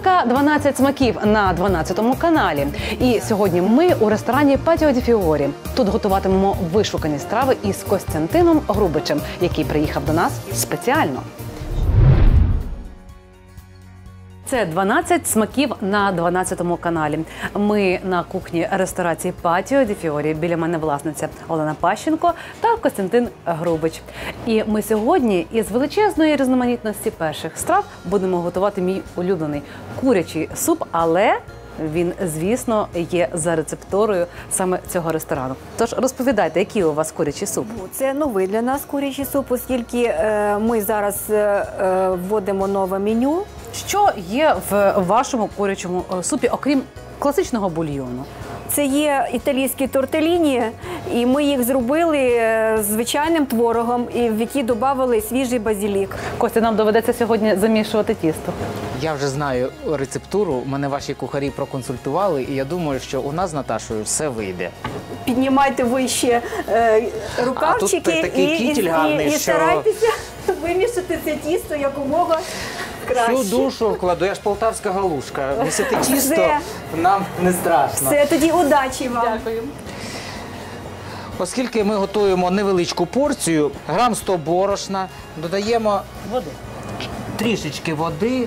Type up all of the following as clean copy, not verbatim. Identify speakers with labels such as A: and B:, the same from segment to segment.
A: Рубрика «12 смаків» на 12-му каналі. І сьогодні ми у ресторані «Патіо ді Фіорі». Тут готуватимемо вишукані страви із Костянтином Грубичем, який приїхав до нас спеціально. Це 12 смаків на 12-му каналі. Ми на кухні ресторації «Патіо ді Фіорі». Біля мене власниця Олена Пащенко та Костянтин Грубич. І ми сьогодні із величезної різноманітності перших страв будемо готувати мій улюблений курячий суп, але він, звісно, є за рецептурою саме цього ресторану. Тож розповідайте, який у вас курячий суп?
B: Це новий для нас курячий суп, оскільки ми зараз вводимо нове меню.
A: Що є в вашому курячому супі, окрім класичного бульйону?
B: Це є італійські тортеліні, і ми їх зробили звичайним творогом, в який додали свіжий базилік.
A: Костя, нам доведеться сьогодні замішувати тісто.
C: Я вже знаю рецептуру, мене ваші кухарі проконсультували, і я думаю, що у нас з Наташою все вийде.
B: Піднімайте вище рукавчики
C: а тут такий кітель гарний,
B: і
C: що...
B: старайтеся вимішати це тісто якомога краще.
C: Всю душу вкладу, я ж полтавська галушка. Місити тісто нам не страшно.
B: Все, тоді удачі вам.
A: Дякую.
C: Оскільки ми готуємо невеличку порцію, грам 100 борошна, додаємо
A: Води.
C: трішечки води,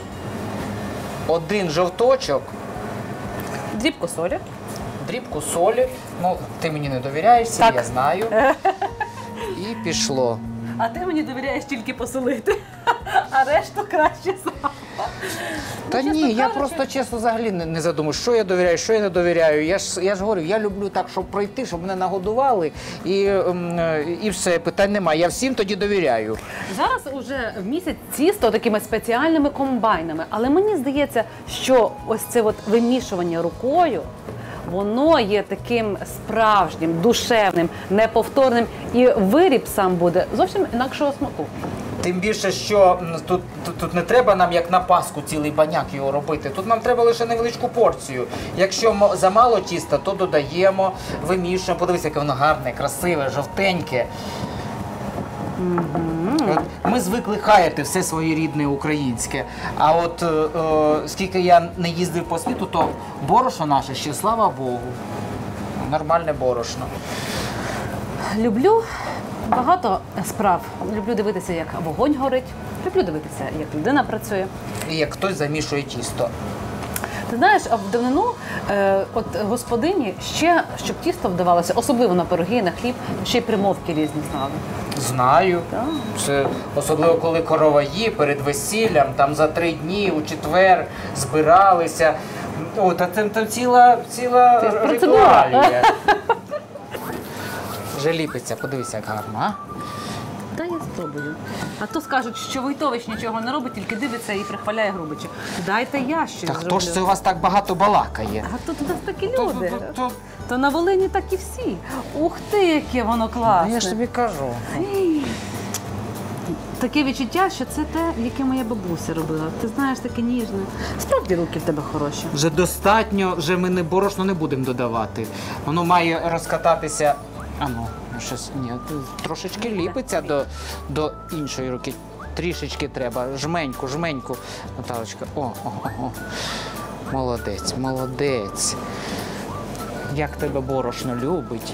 C: один жовточок,
A: Дрібку солі.
C: дрібку солі. Ну, ти мені не довіряєшся,
A: Так.
C: я знаю. І пішло.
A: А ти мені довіряєш тільки посолити, а решту краще сам.
C: Та ні, я просто чесно взагалі не задумую, що я довіряю, що я не довіряю. Я ж говорю, я люблю так, щоб пройти, щоб мене нагодували, і все, питань немає. Я всім тоді довіряю.
A: Зараз уже в місяць тісто такими спеціальними комбайнами, але мені здається, що ось це от вимішування рукою, воно є таким справжнім, душевним, неповторним, і виріб сам буде зовсім інакшого смаку.
C: Тим більше, що тут не треба нам, як на Пасху, цілий баняк його робити. Тут нам треба лише невеличку порцію. Якщо замало тіста, то додаємо, вимішуємо. Подивися, яке воно гарне, красиве, жовтеньке. От ми звикли хаяти все своє рідне українське. А от скільки я не їздив по світу, то борошно наше ще, слава Богу, нормальне борошно.
A: Люблю багато справ. Люблю дивитися, як вогонь горить. Люблю дивитися, як людина працює.
C: І як хтось замішує тісто.
A: Ти знаєш, а в давнину от господині ще, щоб тісто вдавалося, особливо на пироги, на хліб, ще й примовки різні знали.
C: Знаю.
A: Так.
C: Це особливо, коли короваї перед весіллям, там за 3 дні, у четвер збиралися. О, та там ціла ритуалія. Вже ліпиться, подивися, як гарно, а?
A: Та я спробую. А то скажуть, що Войтович нічого не робить, тільки дивиться і прихваляє Грубича. Дайте я щось
C: Та
A: зроблю.
C: хто ж це у вас так багато балакає?
A: А тут у нас такі люди. То на Волині так і всі. Ух ти, яке воно класне.
C: Я ж тобі кажу.
A: Таке відчуття, що це те, яке моя бабуся робила. Ти знаєш, таке ніжне. Справді руки в тебе хороші.
C: Вже достатньо, вже ми борошно не будемо додавати. Воно має розкататися. Щось, ні, трошечки ліпиться до іншої руки. Трішечки треба, жменьку, Наталочка. О. Молодець. Як тебе борошно любить.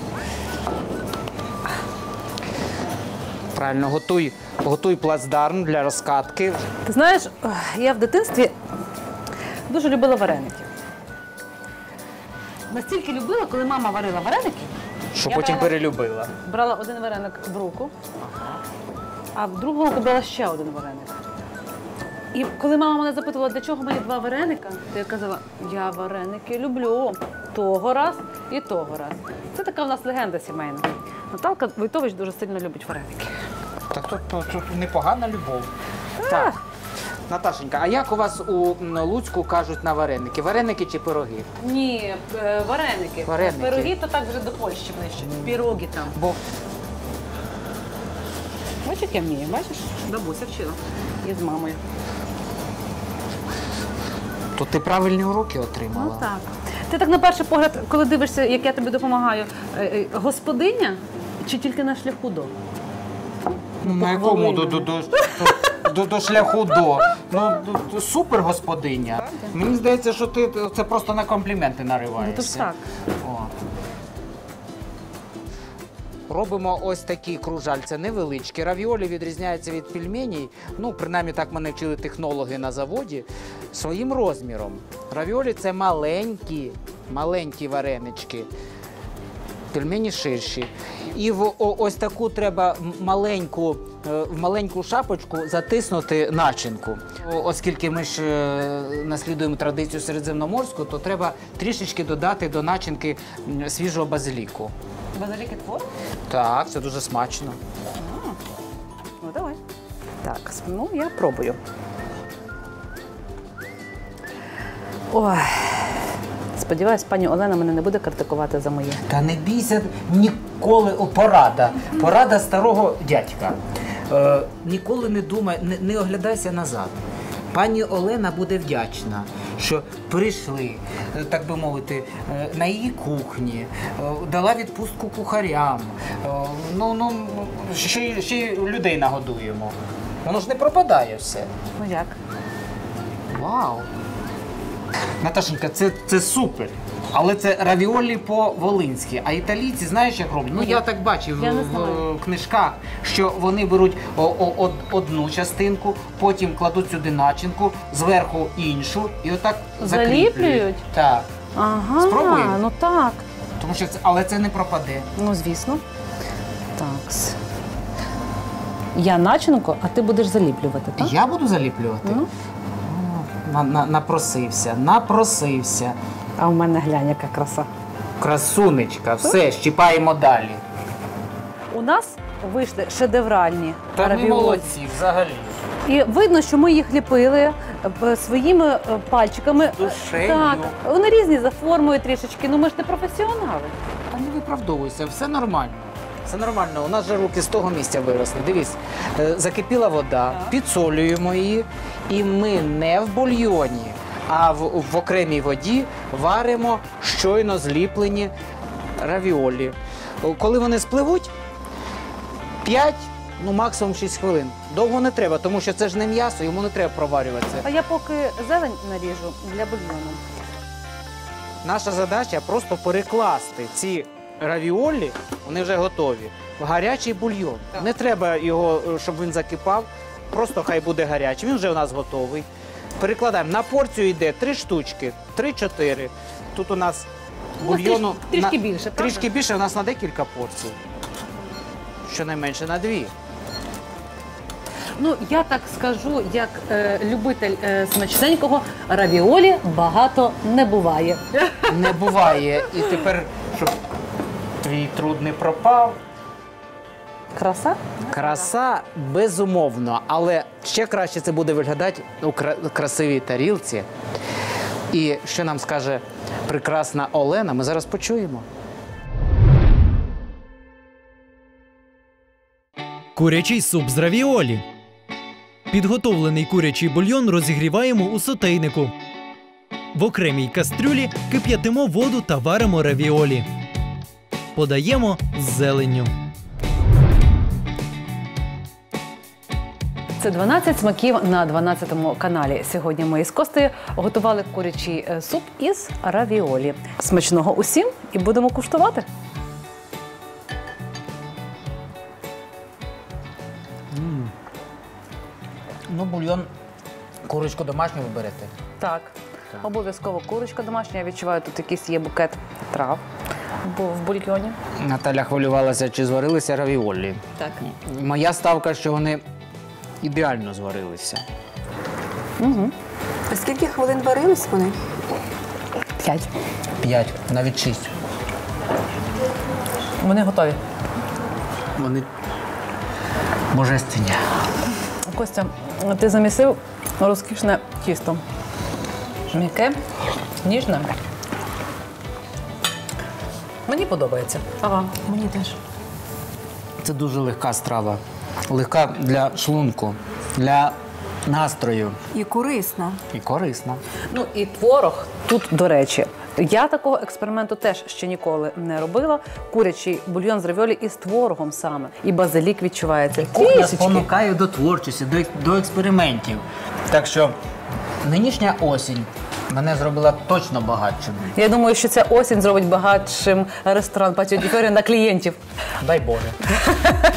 C: Правильно, готуй плацдарм для розкатки.
A: Ти знаєш, я в дитинстві дуже любила вареники. Настільки любила, коли мама варила вареники,
C: Що потім перелюбила.
A: брала один вареник в руку, а в другу руку брала ще один вареник. І коли мама мене запитувала, для чого мені 2 вареника, то я казала, я вареники люблю того раз і того раз. Це така в нас легенда сімейна. Наталка Войтович дуже сильно любить вареники.
C: Так тут непогана любов. Так. Наташенька, а як у вас у Луцьку кажуть на вареники? Вареники чи пироги?
A: Ні, вареники.
C: Вареники.
A: Пироги то так вже до Польщі ближче. Піроги там.
C: Бо
A: Бачиш, як я вмію, бачиш? Бабуся вчила. І з мамою.
C: то ти правильні уроки отримала.
A: Ну так. Ти так на перший погляд, коли дивишся, як я тобі допомагаю, господиня чи тільки на шляху до?
C: Ну, на якому до шляху до. Ну, супер господиня. Мені здається, що ти це просто на компліменти нариваєшся.
A: так.
C: О. Робимо ось такі кружальця невеличкі. Равіолі відрізняються від пельменей, ну, принаймні так мене вчили технологи на заводі, своїм розміром. Равіолі – це маленькі варенички. Пельмені ширші. І в ось таку треба в маленьку шапочку затиснути начинку. Оскільки ми ж наслідуємо традицію середземноморську, то треба трішечки додати до начинки свіжого базиліку.
A: Базиліки творог?
C: Так, це дуже смачно.
A: Ну, давай. Так, ну я пробую. Ой. Сподіваюсь, пані Олена мене не буде критикувати за моє.
C: Та не бійся ніколи. Порада старого дядька. Ніколи не думай, не оглядайся назад. Пані Олена буде вдячна, що прийшли, так би мовити, на її кухні, дала відпустку кухарям. Ще й людей нагодуємо. Воно ж не пропадає все.
A: Ну як?
C: Вау! Наташенька, це супер. Але це равіолі по-волинськи. А італійці, знаєш, як роблять? Ну, я так бачив в книжках, що вони беруть одну частинку, потім кладуть сюди начинку, зверху іншу, і отак закріплюють.
A: Заліплюють?
C: Так.
A: Ага,
C: Спробуємо?
A: ну так.
C: Тому що але це не пропаде.
A: Ну, звісно. Так. Я начинку, а ти будеш заліплювати, так?
C: Я буду заліплювати?
A: Ну.
C: Напросився.
A: А в мене глянь, яка краса.
C: Красунечка, все, щіпаємо далі.
A: У нас вийшли шедевральні
C: Та ми
A: равіолі.
C: молодці, взагалі.
A: І видно, що ми їх ліпили своїми пальчиками.
C: Душею.
A: Так, вони різні за формою трішечки, ну ми ж не професіонали.
C: Та не виправдовуйся, все нормально. Все нормально, у нас же руки з того місця виросли. Дивись, закипіла вода, підсолюємо її, і ми не в бульйоні, а в окремій воді варимо щойно зліплені равіолі. Коли вони спливуть, 5, ну максимум 6 хвилин. Довго не треба, тому що це ж не м'ясо, йому не треба проварюватися.
A: А я поки зелень наріжу для бульйону.
C: Наша задача просто перекласти ці равіолі, вони вже готові, в гарячий бульйон. Не треба його, щоб він закипав, просто хай буде гарячий. Він вже у нас готовий. Перекладаємо. На порцію йде 3 штучки, 3-4. Тут у нас бульйону
A: трішки більше, правда?
C: Трішки більше, у нас на декілька порцій. Щонайменше на 2.
A: Ну, я так скажу, як любитель смачненького, равіолі багато не буває.
C: Не буває. І тепер, щоб твій труд не пропав.
A: Краса?
C: Краса безумовно, але ще краще це буде виглядати у красивій тарілці. І що нам скаже прекрасна Олена, ми зараз почуємо.
D: Курячий суп з равіолі. Підготовлений курячий бульйон розігріваємо у сотейнику. В окремій кастрюлі кип'ятимо воду та варимо равіолі. Подаємо з зеленню.
A: Це 12 смаків на 12-му каналі. Сьогодні ми із Костею готували курячий суп із равіолі. Смачного усім і будемо куштувати.
C: Ну, бульйон, курочку домашню ви берете.
A: Так, обов'язково курочка домашня. Я відчуваю, тут якийсь є букет трав в бульйоні.
C: Наталя хвилювалася, чи зварилися равіолі.
A: Так.
C: Моя ставка, що вони ідеально зварилися.
B: А скільки хвилин варились вони?
A: 5.
C: 5, навіть 6.
A: Вони готові.
C: Вони божественні.
A: Костя, ти замісив розкішне тісто. М'яке, ніжне. Мені подобається.
B: Ага, мені теж.
C: Це дуже легка страва. Легка для шлунку, для настрою
B: І корисна.
C: і корисна.
A: Ну і творог тут, до речі, Я такого експерименту теж ще ніколи не робила. Курячий бульйон з равіолі із творогом саме. І базилік відчувається.
C: Кухня
A: Трішечки.
C: спонукає до творчості, до експериментів. Так що нинішня осінь мене зробила точно багатшим.
A: Я думаю, що ця осінь зробить багатшим ресторан Патіо ді Фіорі на клієнтів.
C: Дай Боже.